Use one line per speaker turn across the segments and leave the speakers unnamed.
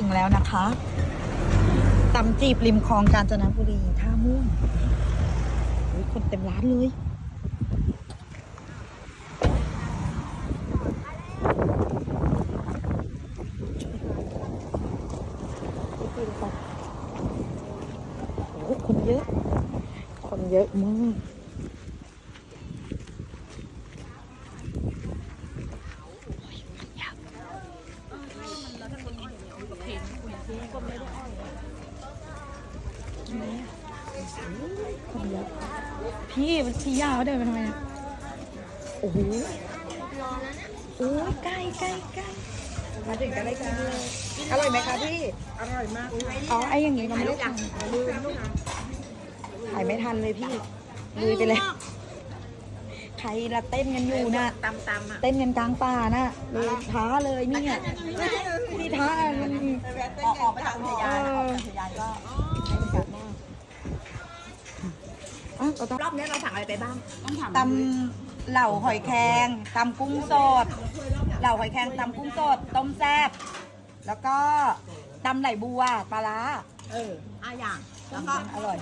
แล้วนะคะตำจีบริมคลองกาญจนบุรีท่าม่วงคนเต็มร้านเลยโอ้คนเยอะคนเยอะมากคนเยอะพี่มันชี้ยาวเดินไปทำไมโอ้โหโอ้ยใกล้มาถึงกันได้กินเลยอร่อยไหมคะพี่อร่อยมากอ๋อไอ้อย่างงี้เราไม่ได้ทำถ่ายไม่ทันเลยพี่ลุยไปเลยใครละเต้นกันอยู่น่ะตำอ่ะเต้นกันกลางป่าน่ะเลยท้าเลยนี่อ่ะพี่ท้ามันออกไปทางอุทยานก็รอบนี้เราสั่งอะไรไปบ้างตำเหล่าหอยแครงตำกุ้งสดเหล่าหอยแครงตำกุ้งสดต้มแซ่บแล้วก็ตำไหลบัวปลาร้าอย่างแล้วก็อร่อย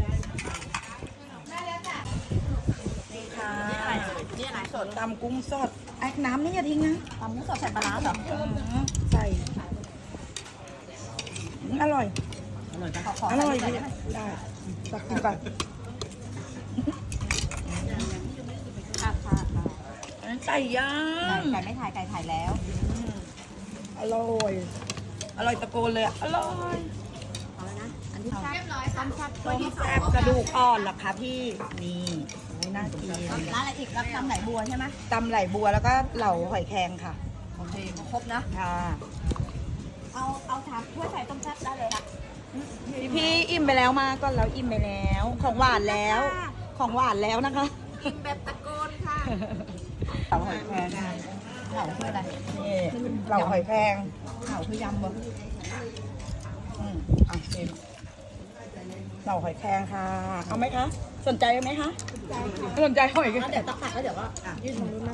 นี่ค่ะนี่อะไรสดตำกุ้งสดไอ้น้ำนี่อย่าทิ้งนะตำกุ้งสดใส่ปลาร้าเหรอใส่อร่อยอร่อยได้ตักกินก่อนไก่ย่างไก่ไม่ถ่ายไก่ถ่ายแล้วอร่อยตะโกนเลยอร่อยเอาแล้วนะอันที่แซ่บต้มแซ่บกระดูกอ่อนหรอคะพี่นี่น่ากินร้านอะไรอีกรับตำไหลบัวใช่ไหมตำไหลบัวแล้วก็เหล่าหอยแครงค่ะโอเคครบนะค่ะเอาถามถ้วยใส่ต้มแซ่บได้เลยค่ะพี่อิ่มไปแล้วมาก่อนเราอิ่มไปแล้วของหวานแล้วนะคะกินแบบตะโกนค่ะเหล่าหอยแครงเหล่าคืออะไรนี่เหล่าหอยแครงเหล่าคือยำบ่ชิมเหล่าหอยแครงค่ะเอาไหมคะสนใจไหมคะสนใจหอยกันเดี๋ยวตักแล้วเดี๋ยวก็ยื่นตรงนู้นมั่ง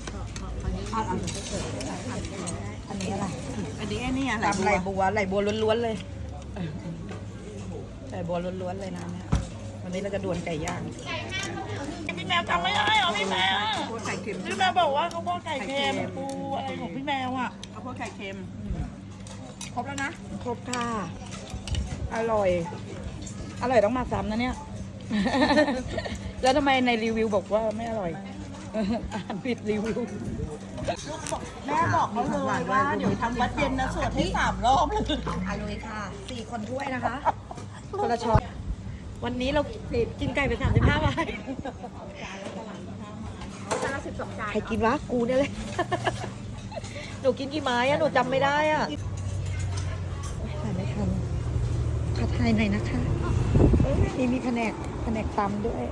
อันนี้อะไรอันนี้ตำไหลบัวล้วนๆเลยไหลบัวล้วนๆเลยนะเนี่ยวันนี้เราจะดวลไก่ย่างพี่แมวจำไม่ได้เหรอพี่แมวพี่แมวบอกว่าเขาพวกไก่เค็มปูอะไรของพี่แมวอ่ะเขาพวกไก่เค็มครบแล้วนะครบค่ะอร่อยต้องมาซ้ำนะเนี่ยแล้วทำไมในรีวิวบอกว่าไม่อร่อยอ่านผิดรีวิวแม่บอกเขาเลยว่าเดี๋ยวทำวัดเย็นนะสวดให้3 รอบเลยอร่อยค่ะ4 คนถ้วยนะคะคนละช้อนวันนี้เรากินไก่ไป35 บาทใครกินวะกูเนี่ยเลยหนูกินกี่ไม้อะหนูจำไม่ได้อะถ่ายไม่ทันขอถ่ายหน่อยนะคะนี่มีแผนกตำด้วย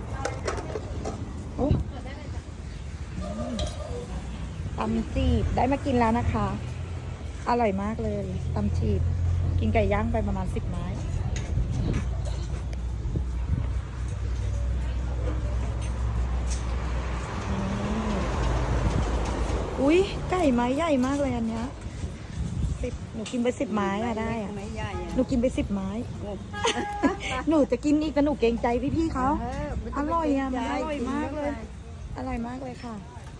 ตำจีบได้มากินแล้วนะคะอร่อยมากเลยตำจีบกินไก่ย่างไปประมาณ10 ไม้อุ้ยไก่ไม้ใหญ่มากเลยอันเนี้ยหนูกินไป10 ไม้อะได้อะหนูกินไป10 ไม้หนูจะกินอีกแต่หนูเกรงใจพี่ๆเขาอร่อยอะมันอร่อยมากเลยค่ะ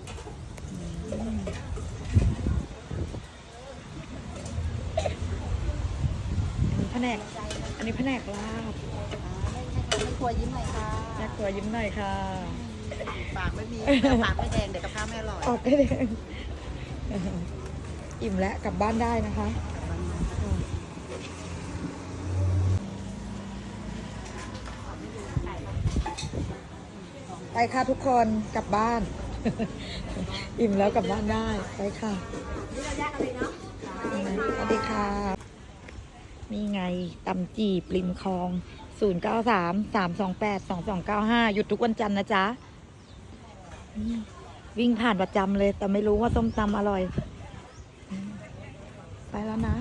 อันนี้แผนกลาบแม่ครัวยิ้มหน่อยค่ะปากไม่มีปากไม่แดงเดี๋ยวกับข้าวไม่อร่อยออกไม่แดงอิ่มแล้วกลับบ้านได้นะคะไปค่ะทุกคนกลับบ้านอิ่มแล้วกลับบ้านได้ไปค่ะสวัสดีค่ะนี่ไงตำจีบริมคลอง0933282295หยุดทุกวันจันทร์นะจ๊ะวิ่งผ่านประจำเลยแต่ไม่รู้ว่าส้มตำอร่อยไปแล้วนะ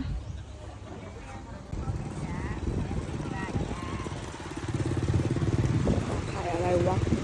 ขายอะไรวะ